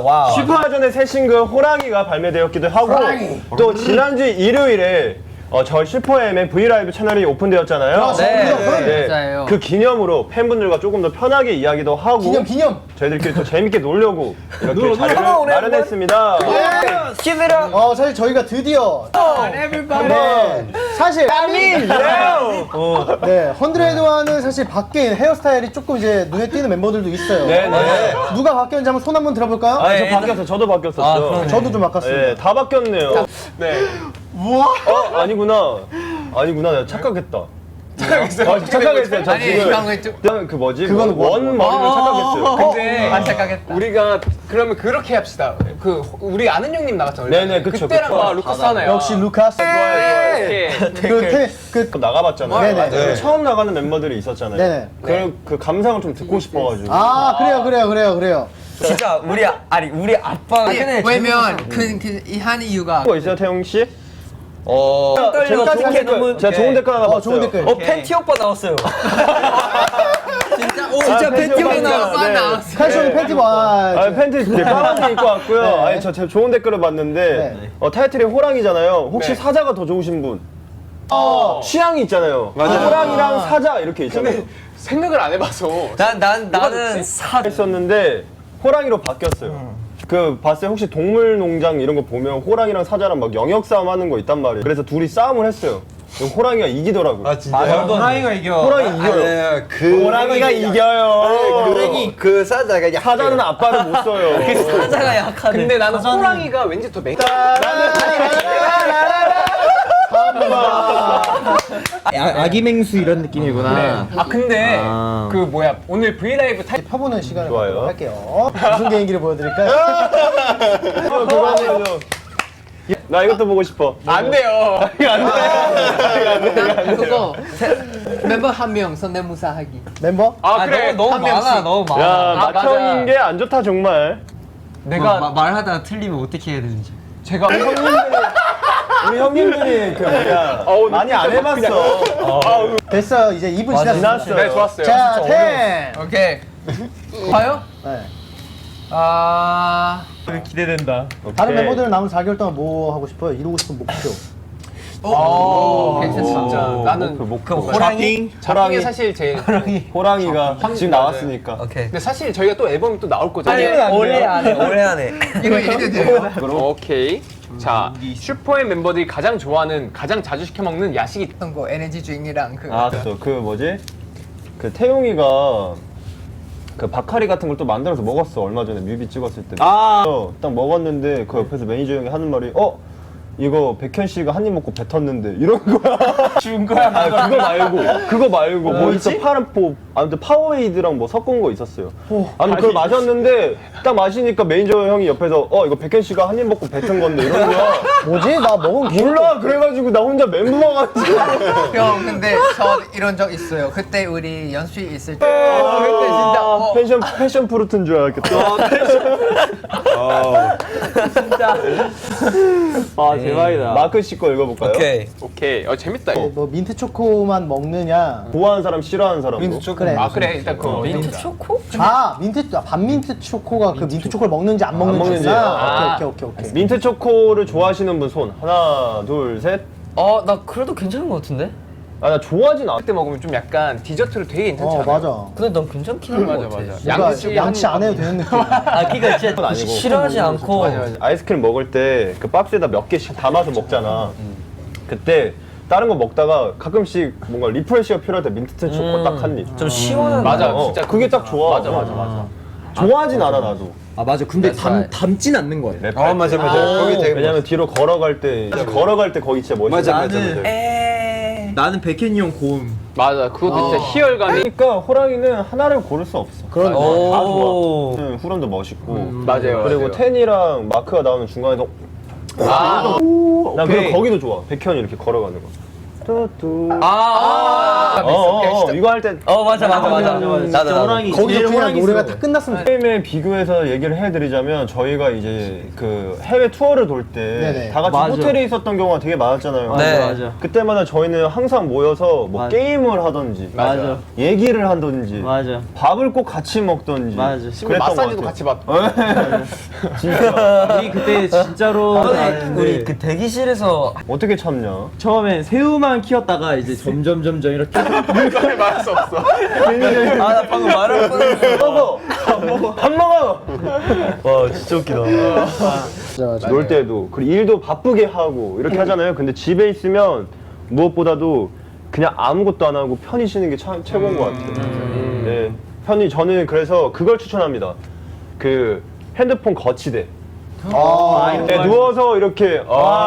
와우. 슈퍼전의 새 싱글 호랑이가 발매되었기도 하고 또 지난주 일요일에 저희 슈퍼엠의 브이라이브 채널이 오픈되었잖아요. 네. 맞아요. 그 기념으로 팬분들과 조금 더 편하게 이야기도 하고 기념. 저희들끼리 또 재밌게 놀려고 이렇게 자리를 마련했습니다. 사실 저희가 드디어 네, 사실 네, 헌드레드와는 사실 바뀐 헤어스타일이 조금 이제 눈에 띄는 멤버들도 있어요. 네네. 누가 바뀌었는지 한번 손 한번 들어볼까요? 아, 저 바뀌었어요. 저도 바뀌었었죠. 저도 좀 바꿨습니다. 네, 다 바뀌었네요. 네. 우와? 아니구나. 내가 착각했다. 착각했어요. 저 아니, 지금 형은 좀. 그냥 그 뭐지? 그거는 원 머리를 착각했어요. 근데 착각했다. 우리가 그러면 그렇게 합시다. 그 우리 아는 형님 나갔잖아요. 네네, 그쵸, 그때랑 그쵸. 루카스 하나요. 역시 루카스. 그 나가봤잖아요. 네네. 네. 처음 나가는 멤버들이 있었잖아요. 네네. 그 감상을 좀 듣고 싶어가지고. 그래요. 진짜 우리 아빠가 왜냐면 한 이유가 뭐 있어요, 태용 씨? 떨려. 제가 좋은 댓글 하나 봤어요. 좋은 댓글. 팬티 오빠 나왔어요. 진짜 팬티 오빠 나왔어. 네. 나왔어. 칼슘 팬티 봐. 팬티 이제 까만색 입고 왔고요. 네. 아니 저 좋은 댓글을 봤는데 타이틀이 호랑이잖아요. 혹시 사자가 더 좋으신 분? 취향이 있잖아요. 호랑이랑 사자 이렇게 있잖아요. 생각을 안 해봐서. 나는 사. 했었는데 호랑이로 바뀌었어요. 그 봤어요? 혹시 동물농장 이런 거 보면 호랑이랑 사자랑 막 영역 싸움 하는 거 있단 말이에요. 그래서 둘이 싸움을 했어요. 호랑이가 이기더라고요. 아 진짜요? 호랑이가 이겨. 호랑이 이겨요. 호랑이가 이겨요. 그 사자가 사자는 아빠를 못 써요. 사자가 약하네. 근데 나는 호랑이가 왠지 더 맹. 아기 맹수 이런 느낌이구나. 근데 그 뭐야 오늘 브이라이브 타이 펴보는 시간을 좋아요. 갖도록 할게요. 무슨 개인기를 보여드릴까요? 그거는요. 나 이것도 보고 싶어. 안 돼요. 그거 멤버 한 명 성대모사하기. 멤버? 그래. 너무 한 많아. 명씩. 너무 많아. 야, 맞아. 맏형인 게 안 좋다 정말. 내가 말하다가 틀리면 어떻게 해야 되는지. 제가 우리 형님들이 그 뭐야 많이 안 해봤어. 됐어. 이제 2분 지났습니다. 지났어요. 네 좋았어요. 자, 10. 오케이. 봐요? 네. 기대된다. 다른 멤버들은 남은 4개월 동안 뭐 하고 싶어요? 이루고 싶은 목표. 괜찮다. 진짜 나는 호랑이? 호랑이 사실 제일. 호랑이가 지금 나왔으니까. 오케이. 근데 사실 저희가 또 앨범이 또 나올 거잖아요. 올해 안에. 이거 이래도 돼요? 오케이. 자 슈퍼의 멤버들이 가장 좋아하는 가장 자주 시켜 먹는 야식이 어떤 거 에너지 드링이랑 그. 그 뭐지? 그 태용이가 그 바카리 같은 걸 또 만들어서 먹었어. 얼마 전에 뮤비 찍었을 때. 딱 먹었는데 그 옆에서 매니저 형이 하는 말이 이거 백현 씨가 한 입 먹고 뱉었는데 이런 거야. 준 거야? 그거 말고 뭐 있어? 아무튼 파워에이드랑 뭐 섞은 거 있었어요. 아무튼 그걸 마셨는데 딱 마시니까 매니저 형이 옆에서 이거 백현 씨가 한 입 먹고 뱉은 건데 이런 거야. 뭐지? 나 먹은 기억. 몰라. 그래가지고 나 혼자 멘붕 와가지고. 형 근데 저 이런 적 있어요. 그때 우리 연습실 있을 때. 그때 진짜 패션 프루트인 줄 알았겠다. 대박이다. 마크 씨 거 읽어볼까요? 오케이. 재밌다. 뭐 민트 초코만 먹느냐? 좋아하는 사람, 싫어하는 사람. 민트 초코. 그래. 그래 일단 그거. 민트 초코? 반민트 초코가 그 민트 초코를 먹는지 안 먹는지. 오케이. 민트 초코를 좋아하시는 분 손. 하나, 둘, 셋. 나 그래도 괜찮은 것 같은데? 나 좋아하진 않아. 그때 먹으면 좀 약간 디저트로 되게 괜찮지 않아요? 맞아. 근데 난 괜찮긴 한 것 같아. 양치 안 해도 되는 느낌. 그니까 진짜 아니고. 싫어하지 않고. 아이스크림 먹을 때 그 박스에다 몇 개씩 담아서 먹잖아. 그때 다른 거 먹다가 가끔씩 뭔가 리프레시가 필요할 때 민트 초코 딱 한 입. 좀 시원한. 맞아. 어, 진짜 그게 딱 좋아. 맞아. 좋아하진 않아 나도. 맞아. 근데 담진 않는 거예요. 맞아. 거기 되게 왜냐면 뒤로 걸어갈 때 거기 진짜 멋있어. 나는 백현이 형 고음. 맞아. 그것도 진짜 희열감이. 그러니까 호랑이는 하나를 고를 수 없어. 그런 다 좋아. 후렴도 멋있고. 맞아요. 그리고 맞아요. 텐이랑 마크가 나오는 중간에서 난 그리고 거기도 좋아. 백현이 이렇게 걸어가는 거. 이거 할 때 맞아. 나도. 거기서 그냥 노래가 다 끝났으면 게임에 비교해서 얘기를 해드리자면 저희가 이제 그 해외 투어를 돌 때 네네. 다 같이 맞아. 호텔에 있었던 경우가 되게 많았잖아요. 네. 맞아. 그때마다 저희는 항상 모여서 뭐 맞아. 게임을 하던지 맞아. 얘기를 하던지 맞아. 밥을 꼭 같이 먹던지 맞아. 그랬던 마사지도 것 같이 같아요. 받고. 진짜 우리 그때 진짜로 우리 나는데 그 대기실에서 어떻게 참냐? 처음엔 새우만 키웠다가 이제 점점 이렇게 그걸 말할 수 없어. 나 방금 말할 뻔했는데. 밥 먹어. 와 진짜 웃기다. 맞아. 놀 때도 그리고 일도 바쁘게 하고 이렇게 하잖아요. 근데 집에 있으면 무엇보다도 그냥 아무것도 안 하고 편히 쉬는 게 참 최고인 것 같아요. 네, 편히 저는 그래서 그걸 추천합니다. 그 핸드폰 거치대. 네, 누워서 이렇게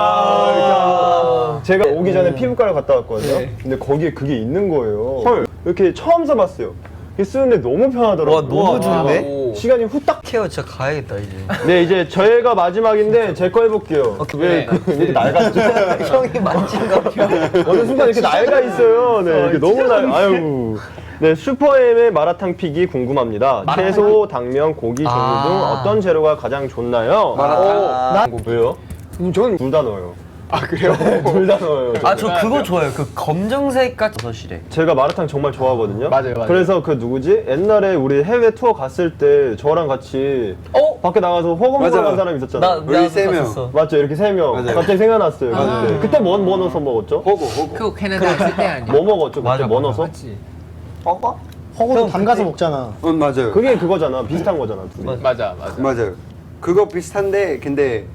제가 오기 전에 피부과를 갔다 왔거든요. 근데 거기에 그게 있는 거예요. 헐 이렇게 처음 써봤어요. 이게 쓰는데 너무 편하더라고요. 와, 너무 좋은데? 시간이 후딱. 케어 진짜 가야겠다 이제. 네 이제 저희가 마지막인데 제 거 해볼게요. 왜 이렇게 낡았죠? 형이 만진가 봐. 어느 순간 이렇게 낡아 있어요. 네 이렇게 너무 아유. 네 슈퍼엠의 마라탕 픽이 궁금합니다. 채소, 당면, 고기 종류 등 어떤 재료가 가장 좋나요? 마라탕? 왜요? 저는 둘 다 넣어요. 아 그래요? 둘 다 넣어요. 저 그거 좋아요. 그 검정색 같은 버섯이래. 제가 마라탕 정말 좋아하거든요. 맞아요. 그래서 그 누구지? 옛날에 우리 해외 투어 갔을 때 저랑 같이 밖에 나가서 호감한 사람 있었잖아요. 우리 세 명. 맞죠? 이렇게 세 명. 갑자기 생각났어요. 그때 뭐 넣어서 먹었죠? 그거 캐나다 있을 때 아니야? 뭐 먹었죠? 그때 맞아, 뭐 맞아. 넣어서? 허거도 담가서 먹잖아. 맞아요. 그게 그거잖아. 비슷한 거잖아. 둘이. 맞아. 맞아요. 그거 비슷한데 근데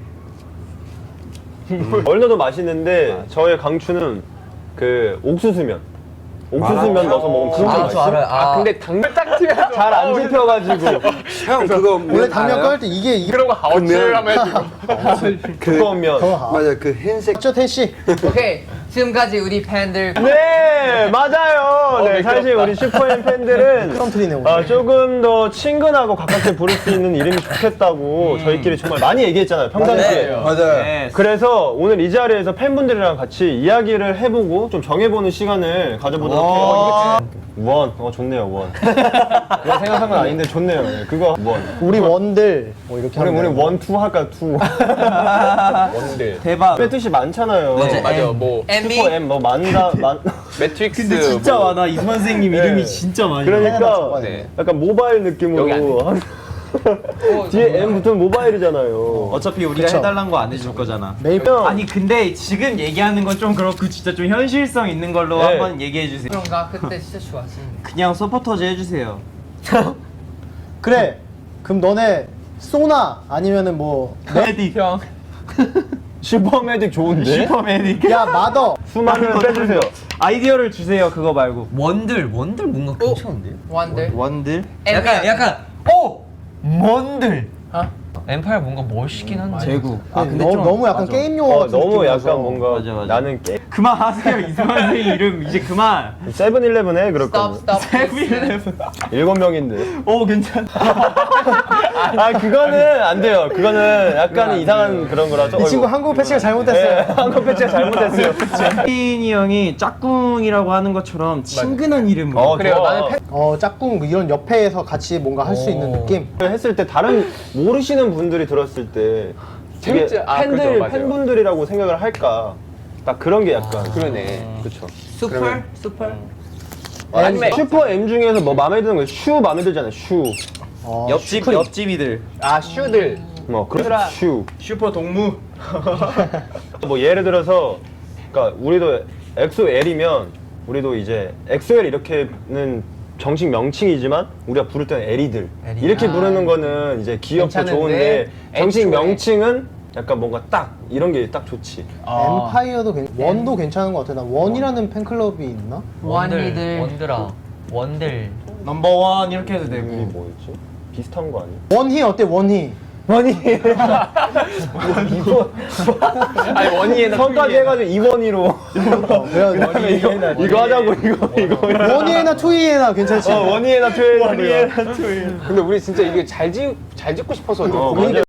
얼려도 맛있는데 저의 강추는 그 옥수수면. 옥수수면 넣어서 먹으면 진짜 저 맛있어. 알아요. 근데 당면 딱 튀면서 잘 안 집혀가지고 형 그거 원래 당면 알아요? 끓일 때 이게 그러고 하우츠를 하면 해주고. 두꺼운 면. 맞아 그 흰색 맞죠 태씨? 오케이 지금까지 우리 팬들 네 맞아요. 네 사실 우리 슈퍼엠 팬들은 컨트리네 오늘. 조금 더 친근하고 가깝게 부를 수 있는 이름이 좋겠다고 저희끼리 정말 많이 얘기했잖아요 평상시에. 맞아요. 그래서 오늘 이 자리에서 팬분들이랑 같이 이야기를 해보고 좀 정해보는 시간을 가져보도록 해요. 원, 좋네요 원. 그거 생각한 건 아닌데 좋네요. 네, 그거 원. 우리 원들 뭐 이렇게 우리 하면 원, 투 할까 투. 원들. 대박. 의 뜻이 많잖아요. 맞아. 뭐 슈퍼 M 뭐 만다 매트릭스. 근데 진짜 뭐. 많아. 이 선생님 네. 이름이 진짜 많이. 그러니까 네. 약간 모바일 느낌으로 뒤에 M 붙으면 모바일이잖아요. 어차피 우리가 그쵸. 해달라는 거 안 해줄 거잖아. 매일 아니 근데 지금 얘기하는 건 좀 그렇고 진짜 좀 현실성 있는 걸로 네. 한번 얘기해 주세요. 그런가? 그때 진짜 좋았었는데 그냥 서포터즈 해주세요. 그래. 그럼 너네 소나 아니면은 뭐 메디 형. 슈퍼매직 좋은데? 슈퍼맨이. 야 마더 수많은 빼주세요. 아이디어를 주세요. 그거 말고. 원들 뭔가 괜찮은데요? 원들 원들. 약간 뭔들. 엠파이어 뭔가 멋있긴 한데. 제국. 너무 약간 맞아. 게임 용어 같은 너무 느낌이라서. 약간 뭔가 맞아. 나는 게 그만하세요. 이승환 선생님 이름 이제 그만. 세븐일레븐 해 그럴 거면. 스톱 7명인데. 오 괜찮다. 그거는 안 돼요. 그거는 약간 이상한 그런 거라서. 이 친구 한국 패치가 잘못됐어요. 한국 패치가 잘못됐어요. 혜인이 형이 짝꿍이라고 하는 것처럼 친근한 이름으로. 그래요. 좋아. 나는 짝꿍 뭐 이런 옆에서 같이 뭔가 할 수 있는 느낌. 했을 때 다른 모르시는 분들이 들었을 때 되게 재밌지? 팬들 그렇죠, 맞아요. 팬분들이라고 생각을 할까. 딱 그런 게 약간. 그러네. 그렇죠. 슈퍼 아니면 슈퍼 M 중에서 뭐 마음에 드는 거 슈 마음에 들잖아요. 슈. 옆집이들. 슈들. 뭐 그런 슈. 슈퍼 동무. 뭐 예를 들어서 그러니까 우리도 엑소엘이면 우리도 이제 엑소엘 이렇게는 정식 명칭이지만 우리가 부를 때는 에리들 이렇게 부르는 거는 이제 귀엽고 괜찮은데 좋은데 정식 애초에. 명칭은 약간 뭔가 딱 이런 게 딱 좋지. 엠파이어도 원도 괜찮은 것 같아. 나 원이라는 팬클럽이 있나? 원이들 원들. 넘버원 이렇게 해도 되고. 이름이 뭐였지? 비슷한 거 아니야? 원희 어때 원희? 아니 원희에나 성까지 해가지고 이원희로 그래야 이거 하자고 이거 원희에나 투이에나 괜찮지? 원희에나 투에나 근데 우리 진짜 이게 잘 짓고 싶어서 맞아.